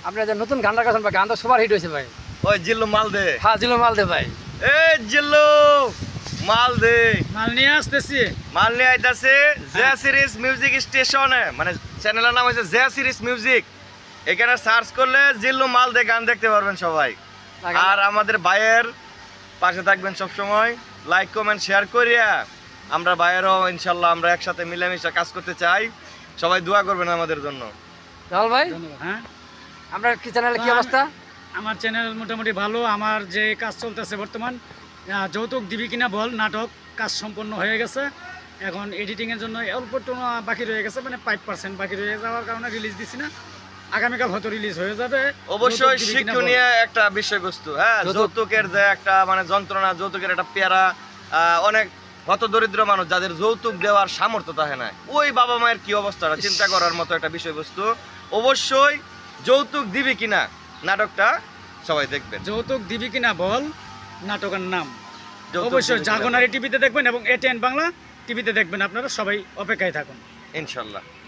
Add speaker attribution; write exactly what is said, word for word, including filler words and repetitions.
Speaker 1: আপনি যে নতুন গানটা গাছেন ভাই, গান তো সুপার হিট হয়েছে ভাই।
Speaker 2: ওই জিল্লু মাল দে।
Speaker 1: হ্যাঁ, জিলো মাল দে ভাই।
Speaker 2: এই জিল্লু মাল দে।
Speaker 3: মাল নিয়ে আসতেছি।
Speaker 2: মাল নিয়ে আইতাছে জেয়া সিরিজ মিউজিক স্টেশনে, মানে চ্যানেলের নাম হচ্ছে জেয়া সিরিজ মিউজিক। এখানে সার্চ করলে জিল্লু মাল দে গান দেখতে পারবেন সবাই। আর আমাদের ভাইয়ের পাশে থাকবেন সব সময়, লাইক কমেন্ট শেয়ার করিয়া আমরা ভাইয়েরও ইনশাল্লাহ আমরা একসাথে মিলেমিশে কাজ করতে চাই। সবাই দোয়া করবেন আমাদের জন্য।
Speaker 1: জামাল ভাই,
Speaker 3: ধন্যবাদ। হ্যাঁ,
Speaker 1: আপনার কি চ্যানেলে কি অবস্থা?
Speaker 3: আমার চ্যানেল মোটামুটি ভালো। আমার যে কাজ চলতেছে বর্তমান, আহ, যৌতুক দিবি কিনা বল নাটক কাজ সম্পন্ন হয়ে গেছে। এখন এডিটিংয়ের জন্য অল্প একটু বাকি রয়ে গেছে, মানে ফাইভ পার্সেন্ট বাকি রয়ে যাওয়ার কারণে রিলিজ দিছি না। আগামীকাল হয়তো রিলিজ হয়ে যাবে।
Speaker 2: অবশ্যই
Speaker 3: যৌতুক দিবি কিনা বল।
Speaker 2: শিক্ষণীয় একটা বিষয়বস্তু। হ্যাঁ,
Speaker 1: যৌতুক-
Speaker 2: যৌতুকের যে একটা মানে যন্ত্রণা, যৌতুকের একটা পেয়ারা, আহ, অনেক হত দরিদ্র মানুষ যাদের যৌতুক দেওয়ার সামর্থ্য থাকে না, ওই বাবা মায়ের কি অবস্থাটা চিন্তা করার মতো একটা বিষয়বস্তু। অবশ্যই যৌতুক দিবি কিনা নাটকটা সবাই দেখবেন।
Speaker 3: যৌতুক দিবি কিনা বল নাটকের নাম
Speaker 2: যৌতুক
Speaker 3: অবশ্যই
Speaker 2: দিবি কিনা বল।
Speaker 3: জাগনারি টিভিতে দেখবেন এবং এটিএন বাংলা টিভিতে দেখবেন। আপনারা সবাই অপেক্ষায় থাকুন।
Speaker 2: ইনশাল্লাহ।